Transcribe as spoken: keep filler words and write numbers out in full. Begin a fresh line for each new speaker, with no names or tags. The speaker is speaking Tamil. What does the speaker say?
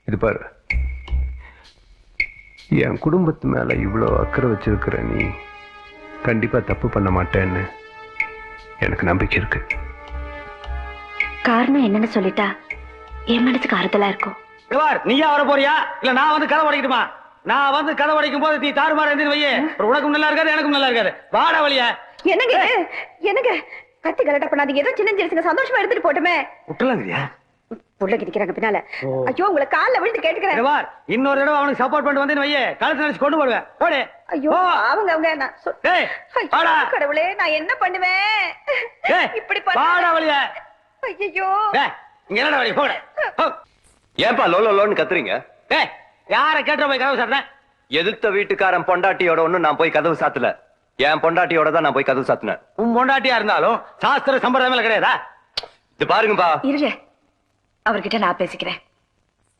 இது பாரு, என் குடும்பத்து மேல இவ்வளோ அக்கறை வச்சிருக்கிற நீ கண்டிப்பா தப்பு பண்ண மாட்டேன்னு எனக்கு நம்பிக்கை இருக்கு.
காரணம் என்னன்னு சொல்லிட்டா என் மனசுக்கு ஆறுதலா இருக்கும்.
நீயா வர போறியா இல்ல நான் வந்து கதை உடைக்கட்டுமா? நான் வந்து கதை உடைக்கும் போது நீ தாறுமாற இருந்து வையே, உனக்கும் நல்லா இருக்காது எனக்கும் நல்லா இருக்காது. வாடா வழியா.
என்னங்க என்னங்க கத்தி கலட்ட பண்ணாதீங்க. ஏதோ சின்ன சின்ன சந்தோஷமா எடுத்துட்டு போட்டுமே.
விட்டுலாங்கறியா?
புள்ள கிடிக்கிறாங்க பின்னால. ஐயோ உங்களை கால்ல விழுந்து கேட்டுக்கிறேன்.
வார் இன்னொரு தடவை அவனுக்கு சப்போர்ட் பண்ணிட்டு வந்து வையே, கழுத்து நினைச்சு கொண்டு போடுவேன். போடு.
ஐயோ அவங்க அவங்க நான் சொ-
டேய் வாடா.
கடவுளே நான் என்ன பண்ணுவேன்?
டேய்
இப்படி
வாடா வழியா.
ஐயோ
டேய் இங்க என்னடா வழி? போடு.
ஏன்பா லோலோ லோன்னு கத்துறீங்க?
டேய் யார கேட்ற போய் கதவு சாத்துறேன்?
எதிர்த்த வீட்டுக்காரன் பொண்டாட்டியோட ஒண்ணு நான் போய் கதவு சாத்தல. என் பொண்டாட்டியோட தான் நான் போய் கதவு சாத்தினேன்.
உன் பொண்டாட்டியா இருந்தாலும் சாஸ்திர சம்பிரதாயம் கிடையாதா?
இது பாருங்கப்பா.
இருங்க அவர்கிட்ட நான் பேசிக்கிறேன்.